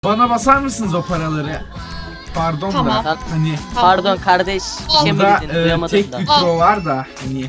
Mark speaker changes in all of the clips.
Speaker 1: Bana basar mısınız o paraları? Pardon
Speaker 2: Tamam.
Speaker 1: da hani
Speaker 3: Pardon kardeş, bir şey mi
Speaker 1: burada
Speaker 3: dedin? Duyamadım
Speaker 1: tek
Speaker 3: da.
Speaker 1: bir pro var da hani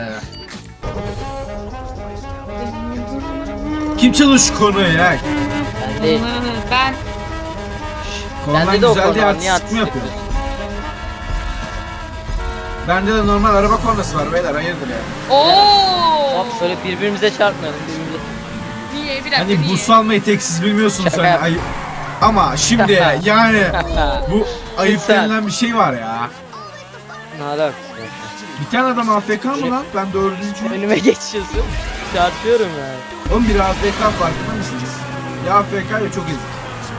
Speaker 1: kim çalış konuya ya?
Speaker 3: Ben değil.
Speaker 2: Ben
Speaker 1: Konudan
Speaker 3: Bende de o
Speaker 1: güzel
Speaker 3: konu
Speaker 1: diye
Speaker 3: var. Niye
Speaker 1: artistik mi
Speaker 3: artistik
Speaker 1: yapıyorsun?
Speaker 3: yapıyorsun?
Speaker 1: Bende de normal araba kornası var beyler, hayırdır ya?
Speaker 2: ooo.
Speaker 3: Hop şöyle birbirimize çarpmayalım. Birbirimize...
Speaker 2: Niye bir dakika
Speaker 1: Hani
Speaker 2: niye?
Speaker 1: buz salmayı tek siz bilmiyorsunuz
Speaker 3: Şaka
Speaker 1: hani
Speaker 3: yap.
Speaker 1: ama şimdi yani bu ayıp
Speaker 3: Lütfen.
Speaker 1: denilen bir şey var ya.
Speaker 3: Ne alakası?
Speaker 1: Bir tane adam AFK mı lan? Ben dördüncüyüm.
Speaker 3: Önüme geçiyorsun. Çarpıyorum yani.
Speaker 1: Oğlum biri AFK farkında mısınız? Ya AFK ya çok ezik.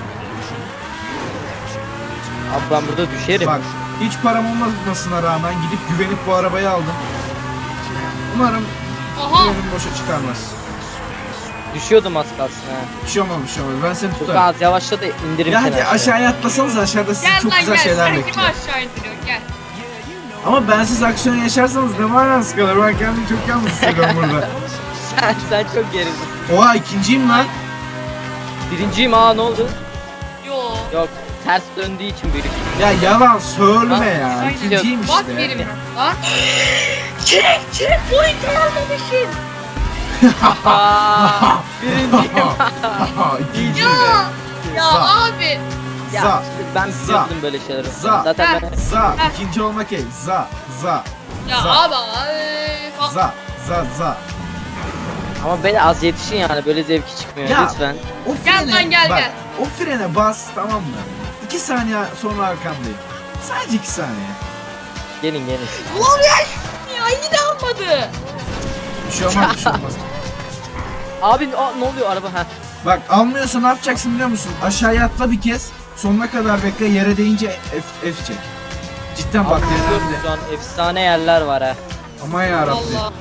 Speaker 3: Abi ben burada düşerim.
Speaker 1: Bak hiç param olmamasına rağmen gidip güvenip bu arabayı aldım. Umarım
Speaker 2: Aha.
Speaker 1: güvenim boşa çıkarmaz.
Speaker 3: Düşüyordum az kalsın ha.
Speaker 1: Bir şey olmamış, bir şey olmamış. Ben seni
Speaker 3: Çok
Speaker 1: tutarım.
Speaker 3: az yavaşla da indirim
Speaker 1: Ya
Speaker 3: seni
Speaker 1: hadi aşağıya atlasanız, aşağıda sizi
Speaker 2: Gel
Speaker 1: çok
Speaker 2: lan
Speaker 1: güzel
Speaker 2: gel.
Speaker 1: şeyler
Speaker 2: Sen kimi
Speaker 1: bekliyor.
Speaker 2: aşağı indiriyorsun gel.
Speaker 1: Ama bensiz aksiyon yaşarsanız ne manası kalır? Ben kendimi çok yalnız hissediyorum burada.
Speaker 3: sen çok gerisin.
Speaker 1: Oha ikinciyim lan.
Speaker 3: Birinciyim, aa ne oldu?
Speaker 2: Yo.
Speaker 3: Yok, ters döndüğü için büyük.
Speaker 1: Ya yalan söyleme ya.
Speaker 2: Aynen.
Speaker 1: İkinciyim
Speaker 2: Bak
Speaker 1: işte.
Speaker 2: benim lan. Çek point almamışım.
Speaker 3: Aa, birinciyim.
Speaker 1: İkinciyim.
Speaker 2: Ya
Speaker 1: Za.
Speaker 2: abi.
Speaker 3: Ya
Speaker 1: Za.
Speaker 3: işte ben
Speaker 1: Za.
Speaker 3: biliyordum böyle şeyleri.
Speaker 1: Za.
Speaker 3: Zaten ben...
Speaker 1: Za. İkinci olmak ey. Za. Za.
Speaker 2: Ya
Speaker 1: Za.
Speaker 2: abi.
Speaker 1: Za. Za.
Speaker 3: Ama böyle az yetişin yani, böyle zevki çıkmıyor
Speaker 1: Ya.
Speaker 3: lütfen.
Speaker 1: O
Speaker 2: Gel
Speaker 1: frene,
Speaker 2: lan, gel,
Speaker 1: bak,
Speaker 2: gel.
Speaker 1: o frene bas, tamam mı? 2 saniye sonra arkandayım. Sadece 2 saniye.
Speaker 3: Gelin.
Speaker 2: Ulan ya yine almadı.
Speaker 1: Bir şey olmaz, bir şey olmaz.
Speaker 3: Abi ne oluyor araba ha?
Speaker 1: Bak almıyorsa ne yapacaksın biliyor musun? Aşağıya atla bir kez. Sonuna kadar bekle, yere değince F çek. Cidden bak
Speaker 3: Abi biliyorum,
Speaker 1: yerlerde.
Speaker 3: şu an efsane yerler var ha.
Speaker 1: Aman yarabbim.
Speaker 2: Allah.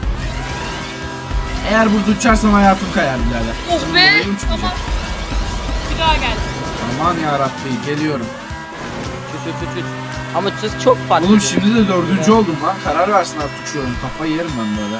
Speaker 1: Eğer burada uçarsan hayatım kayar birader.
Speaker 2: Oh be.
Speaker 1: Benim uçmayacak.
Speaker 2: Tamam. Bir daha gel.
Speaker 1: Aman yarabbim, geliyorum.
Speaker 3: Çüt. Ama çüz çok farklı.
Speaker 1: Oğlum şimdi de 4. oldum lan. Karar versin artık şu oyun. Kafayı yerim ben böyle.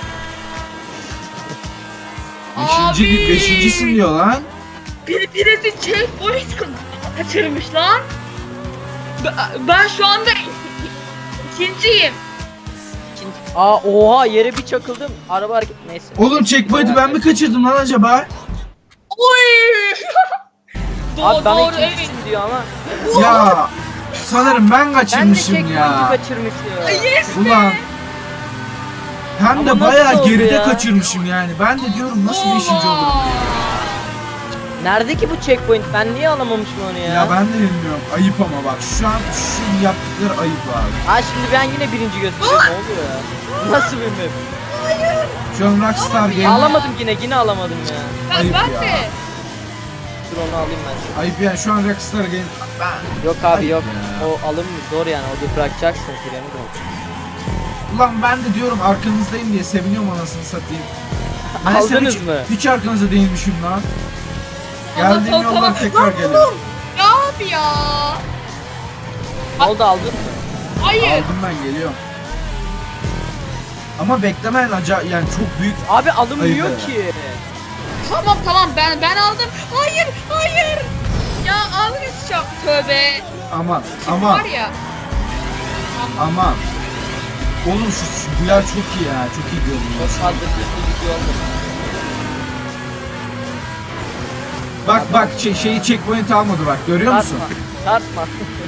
Speaker 2: Abi.
Speaker 1: Beşincisin diyor lan.
Speaker 2: Birisi checkpoint kaçırmış lan. Ben şu anda ikinciyim.
Speaker 3: Aa oha, yere bir çakıldım. Araba hareket, neyse.
Speaker 1: Oğlum checkpoint'i ben mi kaçırdım lan acaba?
Speaker 2: Oy!
Speaker 3: Abi bana
Speaker 2: doğru
Speaker 3: ikincisin
Speaker 2: evet.
Speaker 3: diyor ama.
Speaker 1: Ya sanırım ben
Speaker 3: Ben de
Speaker 1: kaçırmışım
Speaker 3: checkpoint'i
Speaker 1: ya.
Speaker 3: kaçırmışım.
Speaker 2: Yes be.
Speaker 1: Ulan. Hem
Speaker 3: Ama
Speaker 1: de
Speaker 3: nasıl
Speaker 1: bayağı
Speaker 3: oldu
Speaker 1: geride
Speaker 3: ya?
Speaker 1: kaçırmışım yani. Ben de diyorum nasıl 5. olurum?
Speaker 3: Nerede ki bu checkpoint? Ben niye alamamışım onu ya?
Speaker 1: Ya ben de bilmiyorum. Ayıp ama bak şu an şu yaptıkları ayıp abi.
Speaker 3: Ha şimdi ben yine birinci gösteriyorum. Ne oluyor ya? Nasıl bir map?
Speaker 1: Şu an Rockstar Game
Speaker 3: Alamadım yine alamadım ya.
Speaker 1: Ayıp
Speaker 2: Ben
Speaker 1: ya.
Speaker 2: de.
Speaker 3: Dur onu alayım ben.
Speaker 1: ayıp yani şu an Rockstar Game
Speaker 3: Yok abi
Speaker 1: Ayıp
Speaker 3: yok.
Speaker 1: ya.
Speaker 3: O alım zor yani. O bırakacaksın freni de.
Speaker 1: Ulan ben de diyorum arkanızdayım diye seviniyorum anasını satayım. Meğersem
Speaker 3: Aldınız
Speaker 1: hiç,
Speaker 3: mı?
Speaker 1: Hiç arkanızda değilmişim lan.
Speaker 2: Tamam,
Speaker 1: Geldiğim
Speaker 2: tamam,
Speaker 1: yoldan
Speaker 2: tamam.
Speaker 1: tekrar
Speaker 2: Lan
Speaker 1: geliyorum.
Speaker 2: Ya abi ya.
Speaker 3: Ne oldu, aldın mı?
Speaker 2: Hayır.
Speaker 1: Aldım ben, geliyorum. Ama beklemen acayip yani çok büyük.
Speaker 3: Abi alınmıyor
Speaker 1: Ayıp
Speaker 3: ki.
Speaker 2: Tamam ben aldım. Hayır. Ya almayacağım. Tövbe.
Speaker 1: Aman
Speaker 2: Var ya.
Speaker 1: aman. Oğlum bu yer çok iyi ya, çok iyi
Speaker 3: Çok
Speaker 1: görünüyor.
Speaker 3: fazla bir video oldu.
Speaker 1: Bak şeyi checkpoint almadı bak, görüyor musun?
Speaker 3: Tartma.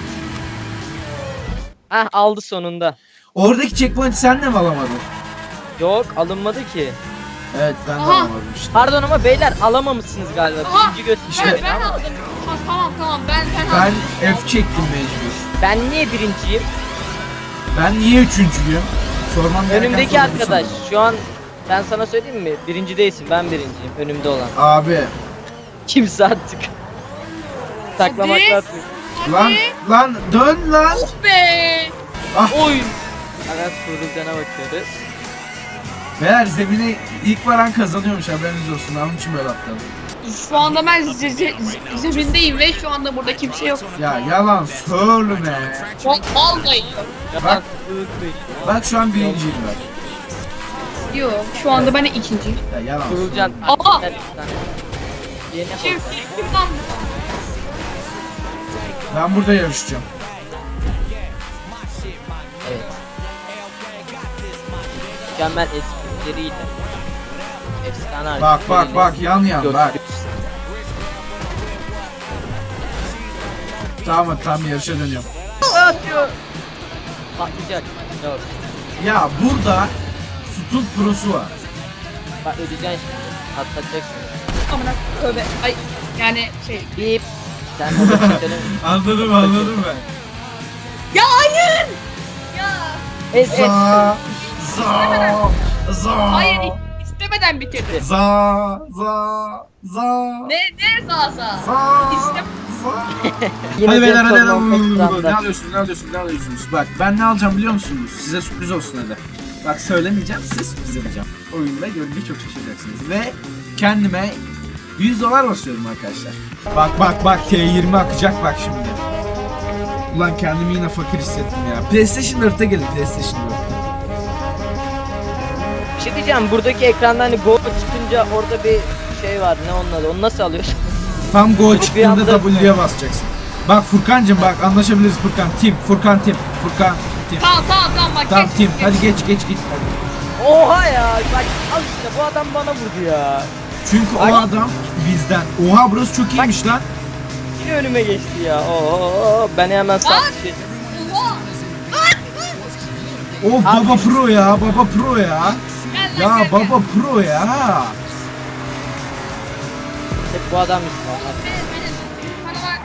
Speaker 3: Heh, aldı sonunda.
Speaker 1: Oradaki checkpoint'i sen de mi alamadın?
Speaker 3: Yok, alınmadı ki.
Speaker 1: Evet ben de
Speaker 2: Aha.
Speaker 1: alamadım işte.
Speaker 3: Pardon ama beyler alamamışsınız galiba.
Speaker 2: Aha.
Speaker 3: Birinci
Speaker 1: İşte-
Speaker 3: gösteriyor
Speaker 2: Ben
Speaker 3: ama.
Speaker 2: aldım. Tamam ben
Speaker 1: Ben
Speaker 2: aldım.
Speaker 1: F çektim mecbur.
Speaker 3: Ben niye birinciyim?
Speaker 1: Ben niye üçüncüyüm? Sormam gereken
Speaker 3: Önümdeki
Speaker 1: soru bu
Speaker 3: arkadaş.
Speaker 1: sanırım.
Speaker 3: Şu an ben sana söyleyeyim mi? Birinci değilsin, ben birinciyim. Önümde olan.
Speaker 1: Abi
Speaker 3: Kimse artık. Saklamak
Speaker 2: Hadi.
Speaker 3: lazım.
Speaker 1: lan dön lan.
Speaker 2: Oh be.
Speaker 3: Oy. Evet, Kurulcan'a bakıyoruz.
Speaker 1: Meğer zemine ilk varan kazanıyormuş, haberiniz olsun. Onun için böyle atladım.
Speaker 2: Şu anda ben zemindeyim ve şu anda burada kimse yok.
Speaker 1: Ya yalan söyleme.
Speaker 2: Vallahi
Speaker 1: Bak. Bak şu an birinciyim ben.
Speaker 2: yok. Şu anda ben ikinciyim.
Speaker 1: Ya yalan
Speaker 3: Kurulcan.
Speaker 1: söyleme.
Speaker 2: Aa!
Speaker 3: Yeni
Speaker 2: Kim
Speaker 3: oldu.
Speaker 2: kim lan bu?
Speaker 1: Ben burada yarışacağım.
Speaker 3: Evet. Mükemmel esprileriyle. Efsane
Speaker 1: Bak
Speaker 3: hareketleriyle
Speaker 1: yan yan bak.
Speaker 3: gösteriyorsun.
Speaker 1: Tamam yarışa dönüyorum.
Speaker 3: Atıyor. Patlayacak. Yok.
Speaker 1: Ya burada Stunt Pro'su var.
Speaker 3: Bak ödeyeceksin şimdi. Atlatacaksın.
Speaker 2: Amına tövbe. Ay yani şey.
Speaker 3: Bip. Sen orada çekelim.
Speaker 1: Anladım ben.
Speaker 2: Ya hayır. Ya.
Speaker 3: Ez.
Speaker 1: Za.
Speaker 2: Hayır istemeden bitirdi.
Speaker 1: Za.
Speaker 2: Ne zaza?
Speaker 1: Za.
Speaker 2: İstem.
Speaker 3: Yine
Speaker 1: Hadi beyler
Speaker 3: Jetson
Speaker 1: hadi.
Speaker 3: Lopez
Speaker 1: Ne
Speaker 3: Trump'ta.
Speaker 1: alıyorsunuz? Bak ben ne alacağım biliyor musunuz? Size sürpriz olsun hadi. Bak söylemeyeceğim, size sürpriz yapacağım. Oyunda görünce çok şaşıracaksınız. Ve kendime $100 basıyorum arkadaşlar. Bak T20 akacak bak şimdi. Ulan kendimi yine fakir hissettim ya. PlayStation 4'e gelin PlayStation 4.
Speaker 3: Bir şey diyeceğim. Buradaki ekranda hani Go çıkınca orada bir şey var. Ne onun adı? Onu nasıl alıyorsun?
Speaker 1: Tam go
Speaker 3: Bir
Speaker 1: çıktığında
Speaker 3: anda-
Speaker 1: W'ye basacaksın. Bak Furkancım bak anlaşabiliriz Furkan. Furkan Tim.
Speaker 2: Tamam bak.
Speaker 1: Tamam
Speaker 2: geç,
Speaker 1: Tim.
Speaker 2: geç.
Speaker 1: Hadi geç hadi.
Speaker 3: Oha ya. Bak al işte bu adam bana vurdu ya.
Speaker 1: Çünkü o
Speaker 3: Ay.
Speaker 1: adam bizden. Oha burası çok iyiymiş lan.
Speaker 3: Yine önüme geçti ya. Oo ben hemen sağ şey.
Speaker 2: Oha.
Speaker 1: Oh
Speaker 3: Abi.
Speaker 1: baba pro ya.
Speaker 2: Gel
Speaker 1: Ya
Speaker 2: lan, gel,
Speaker 1: baba pro ya.
Speaker 3: Hep bu adam işte.
Speaker 2: Bana bak.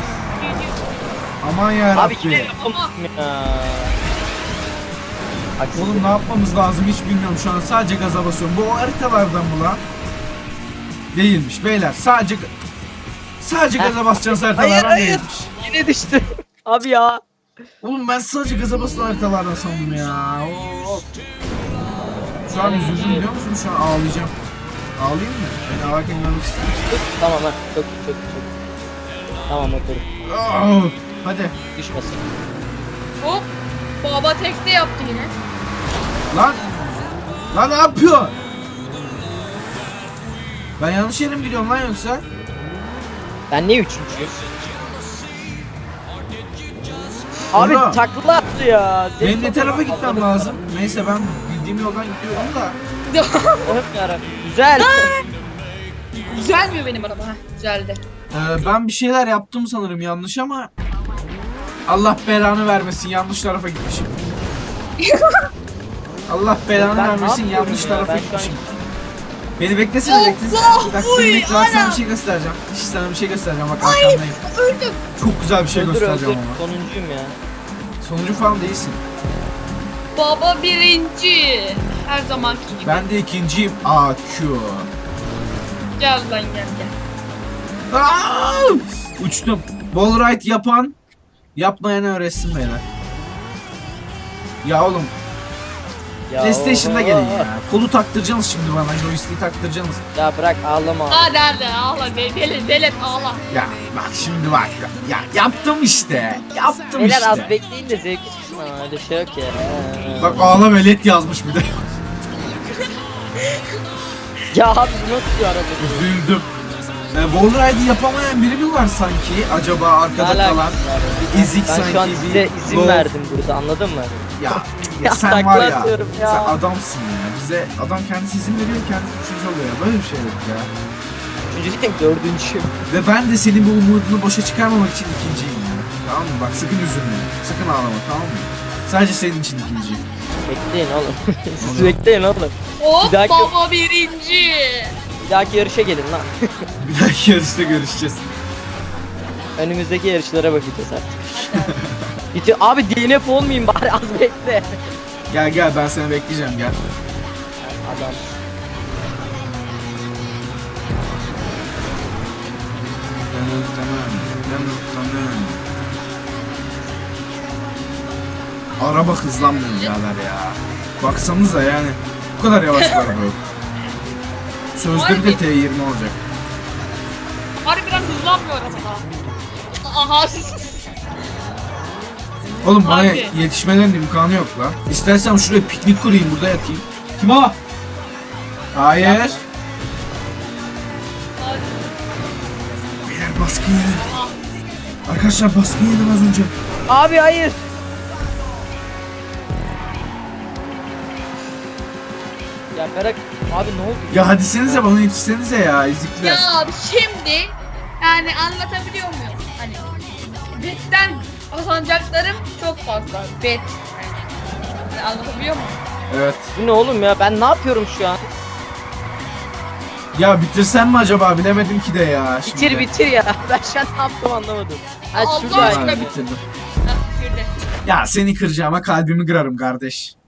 Speaker 1: Aman ya
Speaker 3: Abi yine
Speaker 1: Rabbi.
Speaker 3: yapamadım ya. Haksızlık.
Speaker 1: Oğlum ne yapmamız lazım hiç bilmiyorum şu an. Sadece gaza basıyorum. Bu o haritalardan mı lan? Değilmiş beyler. Sadece gaza basacağız haritalardan
Speaker 3: Hayır.
Speaker 1: değilmiş.
Speaker 3: Yine düştü. Abi ya.
Speaker 1: Oğlum ben sadece gaza basılan haritalardan sandım ya. Oo. Şu an üzüldüm biliyor musun? Şu an ağlayacağım. Ağlayayım mı? Beni ağlarken görmek ister misin?
Speaker 3: Tamam ha. Çok. Tamam otur.
Speaker 1: Oh. Hadi.
Speaker 3: Düşmesin.
Speaker 2: Hop. Baba tekte yaptı yine.
Speaker 1: Lan ne yapıyor? Ben yanlış yere mi gidiyorum lan yoksa?
Speaker 3: Ben niye üçüncüyüm? Abi
Speaker 1: Oğlum.
Speaker 3: takla attı ya.
Speaker 1: Benim ne tarafa gitmem lazım? Neyse ben bildiğim yoldan gidiyorum da.
Speaker 3: Hep yarabbim. Güzel.
Speaker 2: Güzelmiyor benim araba. Heh, güzeldi.
Speaker 1: Ben bir şeyler yaptım sanırım yanlış ama Allah belanı vermesin yanlış tarafa gitmişim. Allah belanı
Speaker 3: Ben ne
Speaker 1: vermesin
Speaker 3: yapıyorum
Speaker 1: yanlış
Speaker 3: ya?
Speaker 1: tarafa
Speaker 3: Ben şu an-
Speaker 1: gitmişim. Beni beklesene bekle.
Speaker 2: Allah!
Speaker 1: Bir dakika
Speaker 2: Uy,
Speaker 1: beni bekle bak sana
Speaker 2: ana!
Speaker 1: bir şey göstereceğim. Sana bir şey göstereceğim bak arkandayım.
Speaker 2: Öldüm.
Speaker 1: Çok güzel bir şey
Speaker 3: Öldür
Speaker 1: göstereceğim
Speaker 3: öldür.
Speaker 1: ama.
Speaker 3: Sonuncuyum ya.
Speaker 1: Sonuncu falan değilsin.
Speaker 2: Baba birinci. Her zamanki gibi.
Speaker 1: Ben de ikinciyim. AQ.
Speaker 2: Gel lan gel.
Speaker 1: Aa! Uçtum. Wallride yapan yapmayanı öğretsin beyler. Ya oğlum
Speaker 3: Ya
Speaker 1: PlayStation'da
Speaker 3: oho.
Speaker 1: gelin ya. Kolu taktıracaksınız şimdi bana. Joystick'i taktıracaksınız.
Speaker 3: Ya bırak ağlama.
Speaker 2: Hadi ağla delet ağla.
Speaker 1: Ya bak şimdi bak. Ya yaptım işte. Yaptım
Speaker 3: Beyler az
Speaker 1: işte.
Speaker 3: bekleyin de zevki çıksın ama öyle şey yok ya.
Speaker 1: Bak ağla velet yazmış bir de.
Speaker 3: Ya abi bu nasıl bir araba bu?
Speaker 1: Üzüldüm. Wallride'i yapamayan biri mi var sanki? Acaba arkada
Speaker 3: Ne
Speaker 1: kalan
Speaker 3: alakası var?
Speaker 1: bir ezik
Speaker 3: Ben
Speaker 1: sanki
Speaker 3: şu an
Speaker 1: bir
Speaker 3: size izin
Speaker 1: Gold-
Speaker 3: verdim burada anladın mı?
Speaker 1: Ya,
Speaker 3: Ya
Speaker 1: sen
Speaker 3: takla
Speaker 1: var ya.
Speaker 3: atıyorum ya.
Speaker 1: Sen adamsın ya. Bize adam kendisi izin veriyor kendisi üçüncü oluyor ya. Böyle bir şey yok ya.
Speaker 3: Üçüncü değil dördüncüyüm.
Speaker 1: Ve ben de senin bu umudunu boşa çıkarmamak için ikinciyim ya. Tamam mı? Bak sakın üzülme. Sakın ağlama tamam mı? Sadece senin için ikinciyim.
Speaker 3: Bekleyin oğlum. Siz bekleyin oğlum.
Speaker 2: Hop
Speaker 3: Bir dahaki-
Speaker 2: baba birinci.
Speaker 3: Bir dahaki yarışa gelin lan.
Speaker 1: Bir dahaki yarışta görüşeceğiz.
Speaker 3: Önümüzdeki yarışlara bakacağız artık. Bitiyor. Abi DNF olmayayım bari az bekle.
Speaker 1: Gel ben seni bekleyeceğim gel.
Speaker 3: Adam.
Speaker 1: Araba hızlanmıyor birader ya. Baksanıza yani bu kadar yavaş bir araba yok. Sözde bir de T20 olacak.
Speaker 2: Harbiden hızlanmıyor araba. Aha.
Speaker 1: Oğlum bana
Speaker 2: Abi.
Speaker 1: yetişmelerinin imkanı yok lan. İstersen şuraya piknik kurayım burada yatayım. Kim o? Hayır. Beyler baskın yedi. Arkadaşlar baskın yedim az önce.
Speaker 3: Abi hayır. Ya Berak abi ne oldu?
Speaker 1: Ya hadi senize bana yetişsenize ya ezikler.
Speaker 2: Ya şimdi yani anlatabiliyor muyum? Hani betten kazanacaklarım çok fazla. Bet. Yani anlatabiliyor muyum?
Speaker 1: Evet.
Speaker 3: Bu ne oğlum ya, ben ne yapıyorum şu an?
Speaker 1: Ya bitirsem mi acaba bilemedim ki de ya. Şimdi.
Speaker 3: Bitir ya. Ben şu an ne yaptım anlamadım. Ha
Speaker 2: Allah
Speaker 3: şurada.
Speaker 2: aşkına
Speaker 1: Ha, bitirdim.
Speaker 2: Ha, şurada.
Speaker 1: Ya seni kıracağıma kalbimi kırarım kardeş.